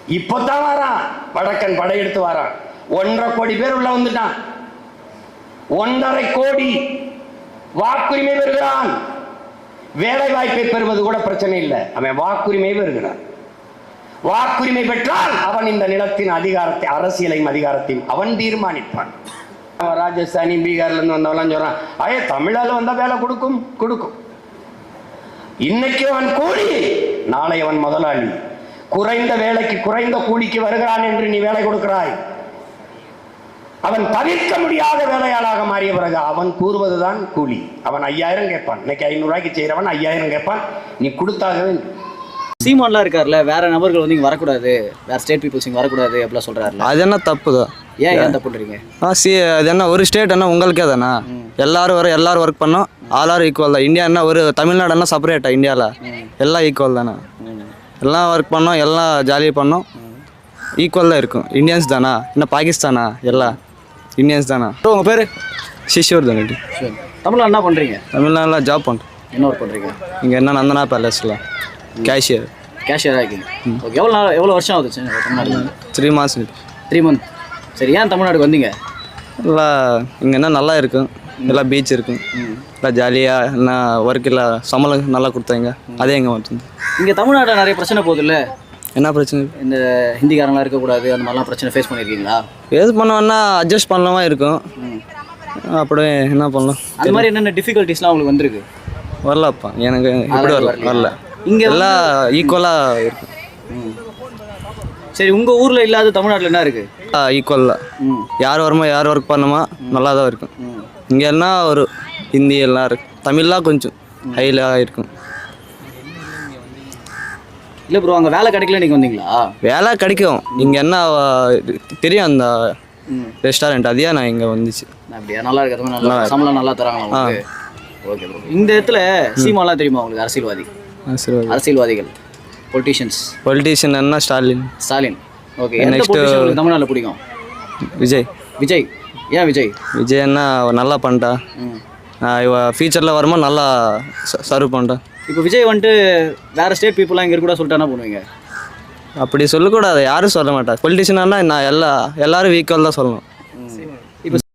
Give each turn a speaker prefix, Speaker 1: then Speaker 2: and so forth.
Speaker 1: இப்போதான் வரான், வடக்கன் படையெடுத்து வரான். 1.5 கோடி பேர் உள்ள வந்துட்டான். 1.5 கோடி வாக்குரிமை பெறுகிறான். வேலை வாய்ப்பை பெறுவது கூட பிரச்சனை இல்லை, அவன் வாக்குரிமை பெறுகிறான். வாக்குரிமை பெற்றால் அவன் இந்த நிலத்தின் அதிகாரத்தை, அரசியலையும் அதிகாரத்தையும் அவன் தீர்மானிப்பான். ராஜஸ்தானி பீகார்ல இருந்து வந்தவெல்லாம் சொல்றான், ஐயா தமிழால வந்தா வேலை கொடுக்கும் கொடுக்கும். இன்னைக்கு அவன் கூலி, நாளை அவன் முதலாளி. குறைந்த வேலைக்கு குறைந்த கூலிக்கு வருகிறான் என்று நீ வேலை கொடுக்கிறாய். அவன் தவிர்க்க முடியாத வேலையாளாக மாறிய பிறகு அவன் கூறுவதுதான் கூலி. அவன் 5000 கேட்பான். இன்னைக்கு 500 ரூபாய்க்கு செய்யறவன் 5000 கேட்பான். நீ கொடுத்தாக வேண்டும்.
Speaker 2: சீமான்லாம் இருக்காருல்ல, வேற நபர்கள் வந்து இங்கே வரக்கூடாது, வேற ஸ்டேட் பீப்புள்ஸ் இங்கே வரக்கூடாது அப்படிலாம் சொல்றாருல,
Speaker 3: அது என்ன தப்பு தான்?
Speaker 2: ஏன் தப்புன்றீங்க?
Speaker 3: அது என்ன ஒரு ஸ்டேட் என்ன உங்களுக்கே தானே? எல்லாரும் ஒர்க் பண்ணோம், ஆல் ஈக்குவல் தான். இந்தியா என்ன ஒரு தமிழ்நாடு என்ன செப்பரேட்டா? இந்தியாவில் எல்லாம் ஈக்குவல் தானே. எல்லாம் ஒர்க் பண்ணோம், எல்லாம் ஜாலியாக பண்ணோம், ஈக்குவல் தான் இருக்கும். இந்தியன்ஸ் தானா? என்ன பாகிஸ்தானா? எல்லாம் இந்தியன்ஸ் தானா?
Speaker 2: உங்கள் பேர்?
Speaker 3: சிஷூர் தானே.
Speaker 2: தமிழ்நாடு என்ன பண்ணுறீங்க?
Speaker 3: தமிழ்நாட்டில் ஜாப் பண்ணுறேன்.
Speaker 2: என்ன ஒர்க் பண்ணுறீங்க?
Speaker 3: இங்கே என்ன நந்தனா பேலஸில் கேஷியர்.
Speaker 2: கேஷியராக இருக்கீங்க. ஓகே. எவ்வளோ வருஷம் ஆகுது தமிழ்நாடு?
Speaker 3: 3 months.
Speaker 2: 3 months. சரி, ஏன் தமிழ்நாடுக்கு வந்தீங்க?
Speaker 3: எல்லாம் இங்கே என்ன நல்லா இருக்கும், எல்லாம் பீச் இருக்கும், எல்லாம் ஜாலியாக என்ன ஒர்க் இல்லை, சம்பளம் நல்லா கொடுத்தாங்க. அதே எங்கே வந்து
Speaker 2: இங்கே தமிழ்நாட்டில் நிறைய பிரச்சனை போகுது இல்லை?
Speaker 3: என்ன பிரச்சனை?
Speaker 2: இந்த ஹிந்திக்காரங்களாம் இருக்கக்கூடாது, அந்த மாதிரிலாம் பிரச்சனை ஃபேஸ் பண்ணியிருக்கீங்களா?
Speaker 3: எது பண்ணோன்னா அட்ஜஸ்ட் பண்ணலாமா இருக்கும். அப்படியே என்ன பண்ணலாம்,
Speaker 2: அது மாதிரி என்னென்ன டிஃபிகல்ட்டிஸ்லாம் உங்களுக்கு வந்திருக்கு?
Speaker 3: வரலப்பா எனக்கு இப்படி வரல.
Speaker 2: இங்கே
Speaker 3: எல்லாம் ஈக்குவலாக இருக்கும்.
Speaker 2: சரி, உங்கள் ஊரில் இல்லாத தமிழ்நாட்டில் என்ன இருக்குது?
Speaker 3: ஈக்குவலாக யார் வருமா, யார் ஒர்க் பண்ணுமா நல்லா தான் இருக்கும். இங்கே என்ன ஒரு ஹிந்தி எல்லாம் இருக்கு, தமிழ்லாம் கொஞ்சம் ஹைலாக இருக்கும்.
Speaker 2: இல்லை ப்ரோ, அங்கே வேலை கிடைக்கல, நீங்கள் வந்தீங்களா?
Speaker 3: வேலை கிடைக்கும், இங்கே என்ன தெரியும் அந்த ரெஸ்டாரண்ட், அதையா நான் இங்கே வந்துச்சு.
Speaker 2: அப்படியா? நல்லா இருக்கிறது, நல்லா சம்பளம் நல்லா தராங்களா? Okay bro. இந்த இடத்துல சீமாலாம் தெரியுமா உங்களுக்கு? அரசியல்வாதிகள், பொலிட்டீஷியன் என்ன? ஸ்டாலின். ஓகே. நெக்ஸ்ட் தமிழ்நாட்டில் பிடிக்கும்? விஜய். ஏன் விஜய்?
Speaker 3: விஜய் என்ன நல்லா பண்ணிட்டா, இவ ஃபியூச்சரில் வருமா நல்லா சர்வ் பண்ணிட்டா.
Speaker 2: இப்போ விஜய் வந்துட்டு வேறு ஸ்டேட் பீப்புளாக இங்கே கூட சொல்லிட்டு என்ன பண்ணுவீங்க?
Speaker 3: அப்படி சொல்லக்கூடாது, யாரும் சொல்ல மாட்டா. பொலிட்டீஷியனாக நான் எல்லாரும் ஈக்குவல் தான் சொல்லணும்.